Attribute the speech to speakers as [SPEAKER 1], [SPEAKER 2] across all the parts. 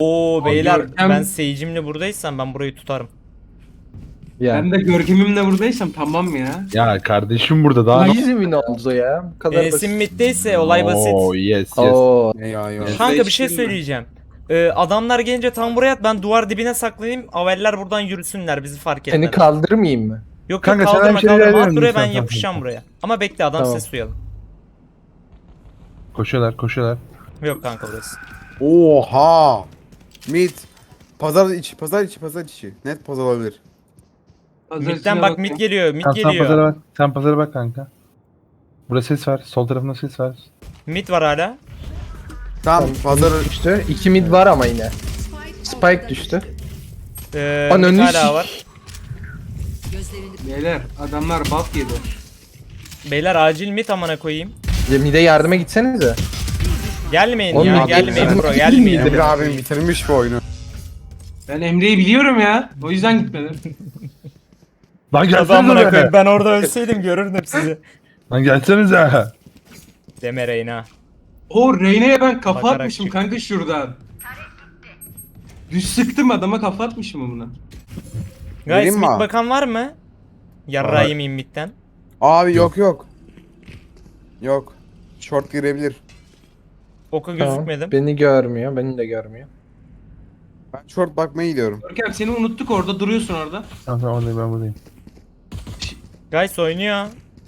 [SPEAKER 1] Oo beyler
[SPEAKER 2] Görkem-
[SPEAKER 1] ben Sage'imle buradaysam ben burayı tutarım.
[SPEAKER 2] Ben de görkemimle buradaysam tamam ya.
[SPEAKER 3] Ya kardeşim burada daha...
[SPEAKER 4] Easy win oldu ya. Bu kadar
[SPEAKER 1] Enes'in
[SPEAKER 4] basit.
[SPEAKER 1] middeyse olay basit.
[SPEAKER 3] Oo yes yes.
[SPEAKER 4] Oo.
[SPEAKER 3] Yes.
[SPEAKER 1] Kanka bir şey
[SPEAKER 2] Değiştirme.
[SPEAKER 1] söyleyeceğim. Adamlar gelince tam buraya at, ben duvar dibine saklanayım. Aveller buradan yürüsünler, bizi fark etmez.
[SPEAKER 4] Seni kaldırmayayım mı?
[SPEAKER 1] Yok
[SPEAKER 3] Kanka,
[SPEAKER 1] yok
[SPEAKER 3] sen
[SPEAKER 1] kaldırma
[SPEAKER 3] bir şey
[SPEAKER 1] kaldırma at
[SPEAKER 3] ilerliyorum
[SPEAKER 1] buraya, ben
[SPEAKER 3] sen,
[SPEAKER 1] yapışacağım
[SPEAKER 3] tamam.
[SPEAKER 1] buraya. Ama bekle adam
[SPEAKER 4] Tamam.
[SPEAKER 1] ses duyalım.
[SPEAKER 3] Koşuyorlar koşuyorlar.
[SPEAKER 1] Yok kanka burası.
[SPEAKER 5] Oha! Mid. Pazar içi. Net pazar olabilir.
[SPEAKER 1] Midden bak, mid geliyor, mid
[SPEAKER 3] Sen pazara
[SPEAKER 1] geliyor.
[SPEAKER 3] bak. Sen pazara bak kanka. Burada ses var. Sol tarafında ses var.
[SPEAKER 1] Mid var hala.
[SPEAKER 5] Tamam pazar
[SPEAKER 4] Düştü. 2 mid var ama yine. Spike düştü.
[SPEAKER 1] Mid
[SPEAKER 4] Ananı
[SPEAKER 1] hala var.
[SPEAKER 2] Beyler adamlar buff yedi.
[SPEAKER 1] Beyler acil mid amına koyayım.
[SPEAKER 4] Mid'e yardıma gitsenize.
[SPEAKER 1] Gelmeyin
[SPEAKER 4] Oğlum,
[SPEAKER 1] ya,
[SPEAKER 4] mid-
[SPEAKER 1] gelmeyin
[SPEAKER 4] mid-
[SPEAKER 1] bro,
[SPEAKER 4] mid-
[SPEAKER 1] gelmeyin.
[SPEAKER 4] mid-
[SPEAKER 5] Emre abim bitirmiş bu oyunu.
[SPEAKER 2] Ben Emre'yi biliyorum ya. O yüzden gitmedim.
[SPEAKER 3] Lan
[SPEAKER 1] Tabii
[SPEAKER 3] gelsenize
[SPEAKER 1] amına
[SPEAKER 3] be.
[SPEAKER 1] koyayım, ben orada ölseydim görürdüm sizi.
[SPEAKER 3] Lan gelsenize.
[SPEAKER 1] Deme Reyna.
[SPEAKER 2] O Reyna'ya ben kafa
[SPEAKER 1] Bakarak
[SPEAKER 2] atmışım
[SPEAKER 1] çık.
[SPEAKER 2] kanka şuradan. Düz sıktım adama kafa atmışım buna.
[SPEAKER 1] Guys
[SPEAKER 5] Vereyim mi
[SPEAKER 1] mid
[SPEAKER 5] abi?
[SPEAKER 1] bakan var mı? Yarrağı
[SPEAKER 3] Var.
[SPEAKER 1] yemeyeyim midden.
[SPEAKER 5] Abi yok. Yok. Short girebilir.
[SPEAKER 1] Oka
[SPEAKER 4] Tamam.
[SPEAKER 1] gözükmedim.
[SPEAKER 4] Beni görmüyor. Beni de görmüyor.
[SPEAKER 5] Ben short bakmaya gidiyorum.
[SPEAKER 2] Görkem seni unuttuk, orada duruyorsun orada.
[SPEAKER 3] Tamam oradayım ben buradayım.
[SPEAKER 1] Guys oynuyor.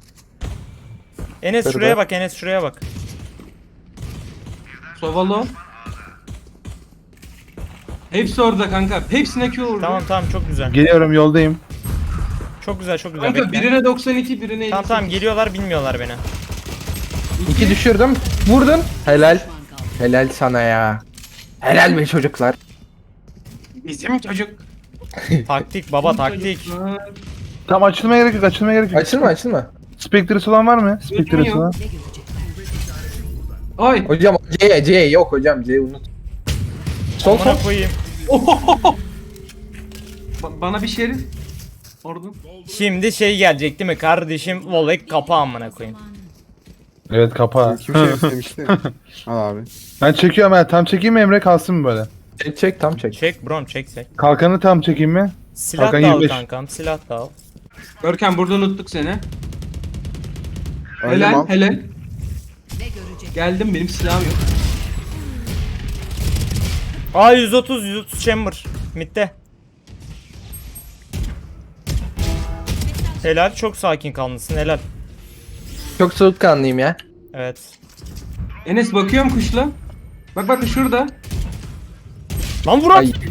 [SPEAKER 1] Enes
[SPEAKER 4] Şurada.
[SPEAKER 1] şuraya bak, Enes şuraya bak.
[SPEAKER 2] Sovalo. Hepsi orada kanka. Hepsine Q vurdu.
[SPEAKER 1] Tamam tamam, çok güzel.
[SPEAKER 3] Geliyorum yoldayım.
[SPEAKER 1] Çok güzel, çok güzel.
[SPEAKER 2] Kanka
[SPEAKER 1] Bekle.
[SPEAKER 2] birine 92, birine 58.
[SPEAKER 1] Tamam tamam, geliyorlar, bilmiyorlar beni.
[SPEAKER 4] 2 düşürdüm. Vurdun. Helal. Helal sana ya. Helal be çocuklar.
[SPEAKER 2] Bizim çocuk.
[SPEAKER 1] Taktik baba, taktik.
[SPEAKER 2] Çocuklar.
[SPEAKER 3] Tamam açılmaya gerek yok açılmaya gerek yok.
[SPEAKER 4] Açılma.
[SPEAKER 3] Spectre'sı olan var mı? Spectre'sı olan.
[SPEAKER 2] Ay.
[SPEAKER 4] Hocam C yok hocam C unut. Sol sol.
[SPEAKER 1] Amına koyayım.
[SPEAKER 2] Bana bir şerif. Orada.
[SPEAKER 1] Şimdi şey gelecek değil mi kardeşim? Volek kapa amına koyayım.
[SPEAKER 3] Evet kapa.
[SPEAKER 5] Kim şey istemişti? Al abi.
[SPEAKER 3] Ben çekiyorum ha. Tam çekeyim mi Emre kalsın mı böyle?
[SPEAKER 4] Çek tam çek.
[SPEAKER 1] Çek brom, çek.
[SPEAKER 3] Kalkanı tam çekeyim mi?
[SPEAKER 1] Silah
[SPEAKER 3] Hakan
[SPEAKER 1] da al
[SPEAKER 3] 25.
[SPEAKER 1] kankam, silah da al.
[SPEAKER 2] Görkem burada unuttuk seni.
[SPEAKER 5] Öyle
[SPEAKER 2] Helal
[SPEAKER 5] mal.
[SPEAKER 2] helal. Geldim, benim silahım yok.
[SPEAKER 1] Aa 130 chamber midde. Helal, çok sakin kalmışsın, helal.
[SPEAKER 4] Çok soğukkanlıyım ya.
[SPEAKER 1] Evet.
[SPEAKER 2] Enes bakıyorum kuşla. Bak şurada.
[SPEAKER 1] Lan Burak.
[SPEAKER 4] Ay.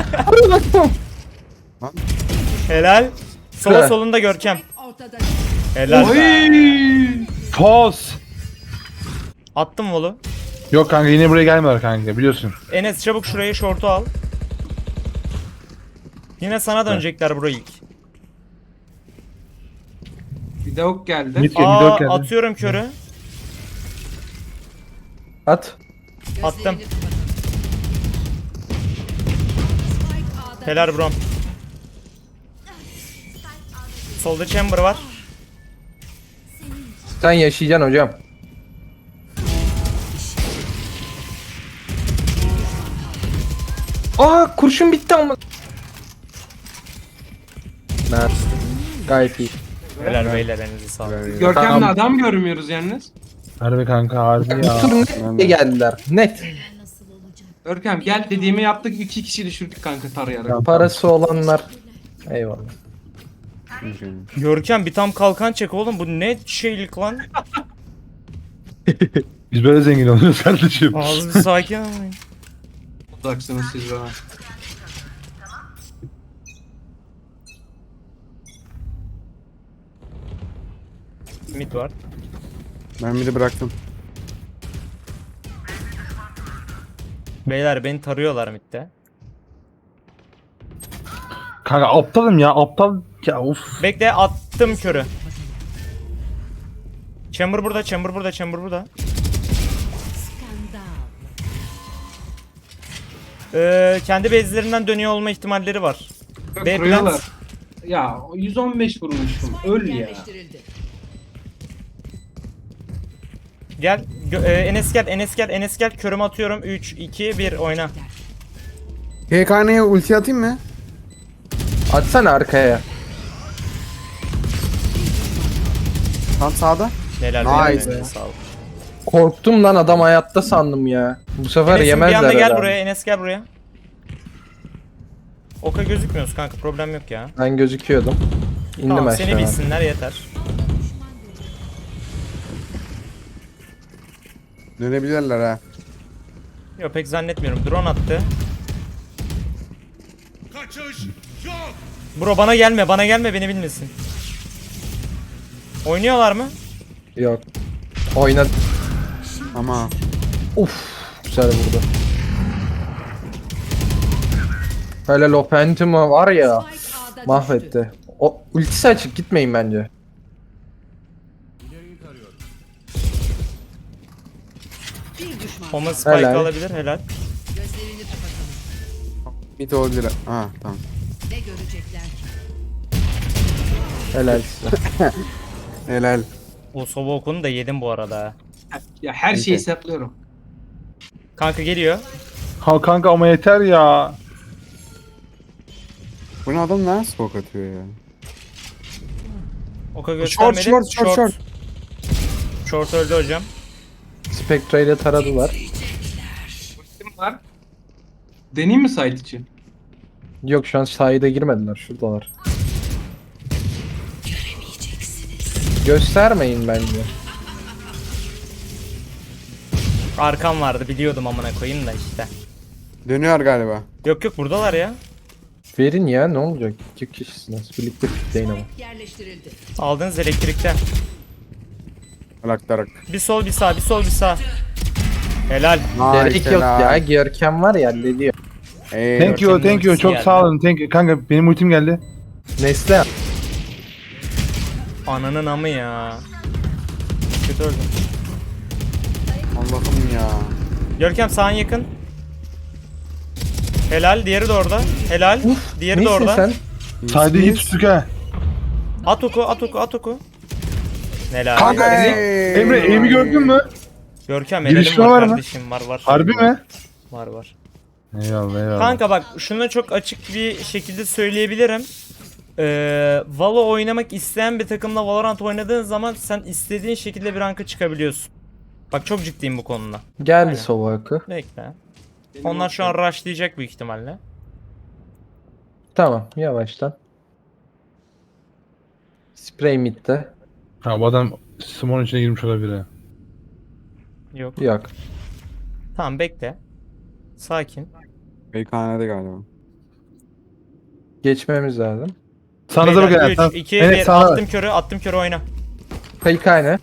[SPEAKER 1] Helal. Sola
[SPEAKER 4] Şurada.
[SPEAKER 1] solunda Görkem. Helal.
[SPEAKER 2] Oy!
[SPEAKER 1] be.
[SPEAKER 3] Toz.
[SPEAKER 1] Attım volu.
[SPEAKER 3] Yok kanka yine buraya gelmiyorlar kanka biliyorsun.
[SPEAKER 1] Enes çabuk şurayı şortu al. Yine sana dönecekler bro ilk.
[SPEAKER 2] Bir de ok geldi.
[SPEAKER 3] Mid geldi,
[SPEAKER 1] Aa
[SPEAKER 3] mid geldi.
[SPEAKER 1] atıyorum körü.
[SPEAKER 4] At.
[SPEAKER 1] Attım. Helal brom. Solda chamber var.
[SPEAKER 4] Sen yaşayacaksın hocam. Aa kurşun bitti ama. Nice. Gayet iyi.
[SPEAKER 1] Helal beyler, elinize sağlık.
[SPEAKER 2] Görkem'le
[SPEAKER 3] Tamam.
[SPEAKER 2] adam görmüyoruz yalnız.
[SPEAKER 3] Harbi kanka harbi
[SPEAKER 4] Bu
[SPEAKER 3] ya.
[SPEAKER 4] tur net geldiler. Net.
[SPEAKER 2] Görkem gel dediğimi yaptık, 2 kişi düşürdük kanka tarayarak.
[SPEAKER 4] Parası olanlar. Eyvallah.
[SPEAKER 1] Görkem bir tam kalkan çek oğlum, bu ne şeylik lan.
[SPEAKER 3] Biz böyle zengin oluyoruz kardeşim.
[SPEAKER 1] Ağzı bir sakin olmayın.
[SPEAKER 2] Uzaksınız siz bana.
[SPEAKER 1] Mid var.
[SPEAKER 5] Ben bir de bıraktım.
[SPEAKER 1] Beyler beni tarıyorlar midde.
[SPEAKER 3] Kanka aptalım ya aptal. Ya uf.
[SPEAKER 1] Bekle, attım körü. Chamber burada, chamber burada, chamber burada. Kendi base'lerinden dönüyor olma ihtimalleri var. B
[SPEAKER 2] Kuruyorlar.
[SPEAKER 1] plant.
[SPEAKER 2] Ya 115 vurmuşum. Öl ya.
[SPEAKER 1] Gel. Enes gel, Enes gel, Enes gel. Körümü atıyorum. 3, 2, 1 oyna.
[SPEAKER 5] KKN'ye ulti atayım mı?
[SPEAKER 4] Atsana arkaya.
[SPEAKER 5] Tam sağda.
[SPEAKER 1] Helal.
[SPEAKER 5] Nice.
[SPEAKER 1] Helal. Sağ ol.
[SPEAKER 4] Korktum lan, adam hayatta sandım ya. Bu sefer
[SPEAKER 1] Enes'im bir
[SPEAKER 4] yemezler
[SPEAKER 1] anda gel
[SPEAKER 4] herhalde.
[SPEAKER 1] buraya. Enes gel buraya. Oka gözükmüyoruz kanka, problem yok ya.
[SPEAKER 4] Ben gözüküyordum. İndim
[SPEAKER 1] Tamam
[SPEAKER 4] aşağı.
[SPEAKER 1] seni bilsinler yeter.
[SPEAKER 5] Dönebilirler ha.
[SPEAKER 1] Yok pek zannetmiyorum. Drone attı. Bro bana gelme beni bilmesin. Oynuyorlar mı?
[SPEAKER 4] Yok. Oyna.
[SPEAKER 5] Ama
[SPEAKER 4] Uf, güzel vurdu. Helal, o Phantom'ı var ya, mahvetti. O ultisi açık, gitmeyin bence.
[SPEAKER 1] Oma spike
[SPEAKER 4] Helal.
[SPEAKER 1] alabilir helal.
[SPEAKER 5] mid olabilir. Ha tamam.
[SPEAKER 4] Helal size.
[SPEAKER 5] Helal.
[SPEAKER 1] O sova okunu da yedim bu arada. ha.
[SPEAKER 2] Ya her şeyi hesaplıyorum.
[SPEAKER 1] Kanka geliyor.
[SPEAKER 3] Ha kanka ama yeter ya.
[SPEAKER 5] Bu ne adam ne smoke atıyor ya?
[SPEAKER 1] Oka göstermedi.
[SPEAKER 5] Short.
[SPEAKER 1] Short öldü hocam.
[SPEAKER 4] Spectre ile taradılar.
[SPEAKER 2] Kim var? Deneyim mi site için?
[SPEAKER 4] Yok, şu an sahide girmediler, şuradalar. Göstermeyin bence.
[SPEAKER 1] Arkam vardı biliyordum amına koyayım da işte.
[SPEAKER 5] Dönüyor galiba.
[SPEAKER 1] Yok buradalar ya.
[SPEAKER 4] Verin ya, ne olacak? 2 kişisiniz. Birlikte pikleyin ama.
[SPEAKER 1] Aldınız elektrikten.
[SPEAKER 5] Alaktarak.
[SPEAKER 1] Bir sol bir sağ bir sol bir sağ. Helal.
[SPEAKER 4] Gerek yok ya. Görkem var ya, hallediyor.
[SPEAKER 3] Thank you. Çok
[SPEAKER 1] geldi.
[SPEAKER 3] sağ olun. Thank you. Kanka benim ultim geldi.
[SPEAKER 4] Nesle.
[SPEAKER 1] Ananın amı ya. Kötü öldüm.
[SPEAKER 5] Allah'ım ya.
[SPEAKER 1] Görkem sağın yakın. Helal diğeri de orada. Helal. Diğeri de
[SPEAKER 4] Neysin
[SPEAKER 1] orada.
[SPEAKER 4] sen?
[SPEAKER 3] Saydı iyi tuttuk ha.
[SPEAKER 1] At oku. Helal.
[SPEAKER 3] Kanka,
[SPEAKER 5] Hey.
[SPEAKER 3] Emre aim'i gördün mü?
[SPEAKER 1] Görkem
[SPEAKER 3] Girişme
[SPEAKER 1] helalim var
[SPEAKER 3] var mı?
[SPEAKER 1] kardeşim var.
[SPEAKER 3] Harbi mi?
[SPEAKER 1] Var.
[SPEAKER 3] Eyvallah.
[SPEAKER 1] Kanka bak şunu çok açık bir şekilde söyleyebilirim. Valo oynamak isteyen bir takımla Valorant oynadığın zaman sen istediğin şekilde bir ranka çıkabiliyorsun. Bak çok ciddiyim bu konuda.
[SPEAKER 4] Geldi
[SPEAKER 1] Aynen.
[SPEAKER 4] sova akı.
[SPEAKER 1] Bekle. Onlar şu an rushlayacak büyük ihtimalle.
[SPEAKER 4] Tamam, yavaştan. Spray mid'de.
[SPEAKER 3] Ha bu adam Simon içine girmiş olabilir ha.
[SPEAKER 1] Yok.
[SPEAKER 4] Yok.
[SPEAKER 1] Tamam bekle. Sakin.
[SPEAKER 5] KKN'de galiba.
[SPEAKER 4] Geçmemiz lazım.
[SPEAKER 3] Sağınıza bakın.
[SPEAKER 1] 3, 2,
[SPEAKER 3] Evet,
[SPEAKER 1] 1
[SPEAKER 3] sağına bak.
[SPEAKER 1] attım körü oyna.
[SPEAKER 4] Kayık aynı.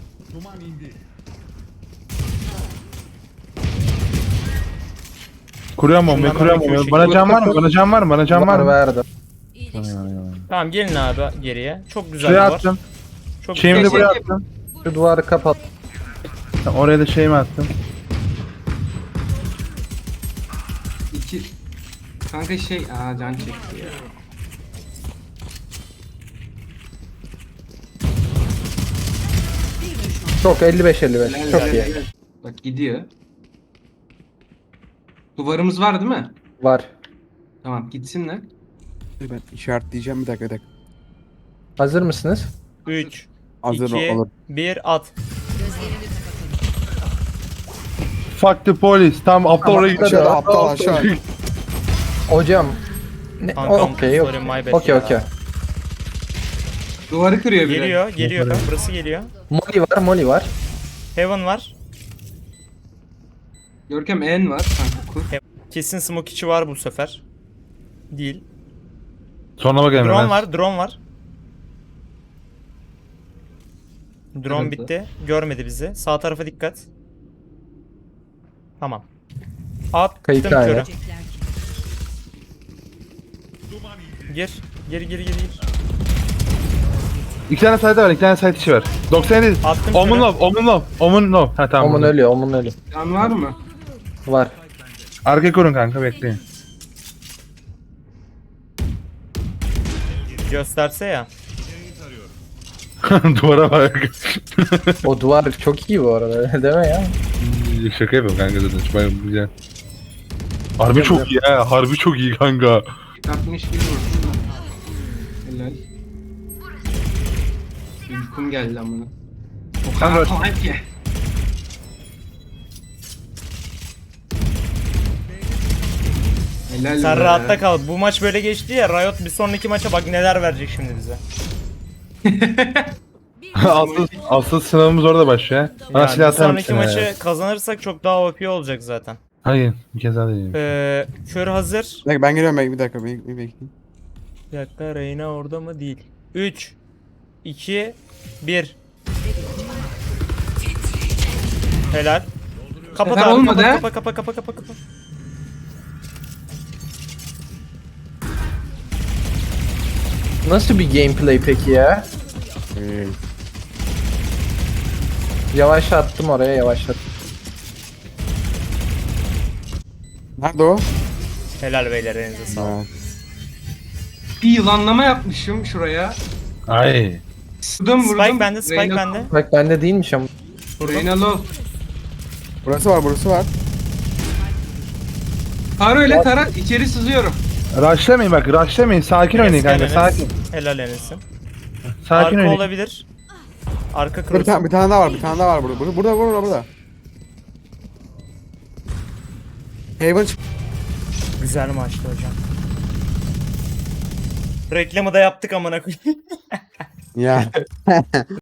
[SPEAKER 3] Kuruyorum bombayı, kuruyorum bombayı. Bana can var mı? Bana can var mı?
[SPEAKER 4] Verdim.
[SPEAKER 1] Tamam gelin abi geriye. Çok güzel
[SPEAKER 3] Şuraya
[SPEAKER 1] var.
[SPEAKER 3] attım.
[SPEAKER 1] Çok
[SPEAKER 3] Şeyimi de
[SPEAKER 1] güzel.
[SPEAKER 3] buraya attım.
[SPEAKER 4] Şu duvarı kapat.
[SPEAKER 3] Tamam, oraya da şeyimi attım.
[SPEAKER 2] İki... Kanka can çekti ya.
[SPEAKER 4] Çok 55-55.
[SPEAKER 2] Helal,
[SPEAKER 4] Çok
[SPEAKER 2] helal,
[SPEAKER 4] iyi.
[SPEAKER 2] helal. Bak gidiyor. Duvarımız var değil mi?
[SPEAKER 4] Var.
[SPEAKER 2] Tamam gitsinler.
[SPEAKER 5] Ben işaretleyeceğim bir dakika.
[SPEAKER 4] Hazır mısınız?
[SPEAKER 1] 3,
[SPEAKER 5] Hazır
[SPEAKER 1] 2,
[SPEAKER 5] olur.
[SPEAKER 1] 1 at.
[SPEAKER 3] Fuck the police. Tamam aptal oraya gitti.
[SPEAKER 5] Aşağı, aptal aşağı.
[SPEAKER 4] Hocam. Ne?
[SPEAKER 1] Kankam,
[SPEAKER 4] Okey,
[SPEAKER 1] sorry, my bad
[SPEAKER 4] okey.
[SPEAKER 1] ya.
[SPEAKER 4] Okey.
[SPEAKER 2] Duvarı kırıyor biri.
[SPEAKER 1] Geliyor. Burası geliyor.
[SPEAKER 4] Molly var.
[SPEAKER 1] Heaven var.
[SPEAKER 2] Görkem en var. Kanka kur.
[SPEAKER 1] Kesin smoke içi var bu sefer. Değil.
[SPEAKER 3] Sonra bak Emre.
[SPEAKER 1] Drone var. Drone
[SPEAKER 2] Evet.
[SPEAKER 1] bitti. Görmedi bizi. Sağ tarafa dikkat. Tamam. Attım
[SPEAKER 4] Kayıt
[SPEAKER 1] körü.
[SPEAKER 4] aynı.
[SPEAKER 1] Gir. Gir.
[SPEAKER 3] İki tane site var, iki tane site içi var. 97.
[SPEAKER 1] Attım
[SPEAKER 3] Omun
[SPEAKER 1] körü.
[SPEAKER 3] low. Omun low. Ha tamam.
[SPEAKER 4] Omun ölüyor.
[SPEAKER 2] Can var mı?
[SPEAKER 4] Var.
[SPEAKER 3] Arkaya kurun kanka, bekleyin.
[SPEAKER 1] Gösterse ya.
[SPEAKER 3] Duvara bak.
[SPEAKER 4] O duvar çok iyi bu arada. Deme ya.
[SPEAKER 3] Şaka yapıyorum kanka zaten. Şu bayağı güzel. Harbi çok iyi ha. Harbi çok iyi kanka.
[SPEAKER 2] 60 gibi vurdum da. Helal. Uykum geldi amına. O kadar
[SPEAKER 3] Kanka-
[SPEAKER 2] kolay ki. Helal
[SPEAKER 1] Sen
[SPEAKER 2] be.
[SPEAKER 1] rahatta kal. Bu maç böyle geçti ya. Riot bir sonraki maça bak neler verecek şimdi bize.
[SPEAKER 3] asıl sınavımız orada başlıyor. Bana
[SPEAKER 1] Yani
[SPEAKER 3] silah
[SPEAKER 1] bir
[SPEAKER 3] atar
[SPEAKER 1] sonraki
[SPEAKER 3] mısın?
[SPEAKER 1] maçı kazanırsak çok daha OP olacak zaten.
[SPEAKER 3] Hayır. Bir kez daha deneyeyim.
[SPEAKER 1] Kör hazır.
[SPEAKER 5] Bir dakika ben geliyorum bir dakika bir bekleyin.
[SPEAKER 1] Bir dakika Reyna orada mı? Değil. 3 2 1 Helal. Kapat
[SPEAKER 2] Sefer
[SPEAKER 1] abi,
[SPEAKER 2] olmadı ha?
[SPEAKER 1] kapa.
[SPEAKER 4] Nasıl bir gameplay peki ya? Yavaşlattım oraya yavaşlattım.
[SPEAKER 5] Nerede o?
[SPEAKER 1] Helal beyler, elinize sağlık.
[SPEAKER 5] Ha.
[SPEAKER 2] Bir yılanlama yapmışım şuraya.
[SPEAKER 3] Ay.
[SPEAKER 2] Vurdum.
[SPEAKER 1] Spike bende, Spike
[SPEAKER 2] Reyna-
[SPEAKER 1] bende.
[SPEAKER 4] Bak bende değilmiş ama.
[SPEAKER 2] Reyna low.
[SPEAKER 5] Burası var.
[SPEAKER 2] Tara öyle tara. İçeri sızıyorum.
[SPEAKER 3] Rushlamayın bak, rushlamayın. Sakin oynayın kanka,
[SPEAKER 1] Enes,
[SPEAKER 3] sakin.
[SPEAKER 1] Helal Enes'im.
[SPEAKER 3] Sakin
[SPEAKER 1] Arka
[SPEAKER 3] oynayın.
[SPEAKER 1] olabilir. Arka
[SPEAKER 5] Bir
[SPEAKER 1] cross.
[SPEAKER 5] tane, bir tane daha var burada. Burada. Haven çık.
[SPEAKER 1] Güzel maçtı hocam. Reklamı da yaptık amına koyayım.
[SPEAKER 5] Ya.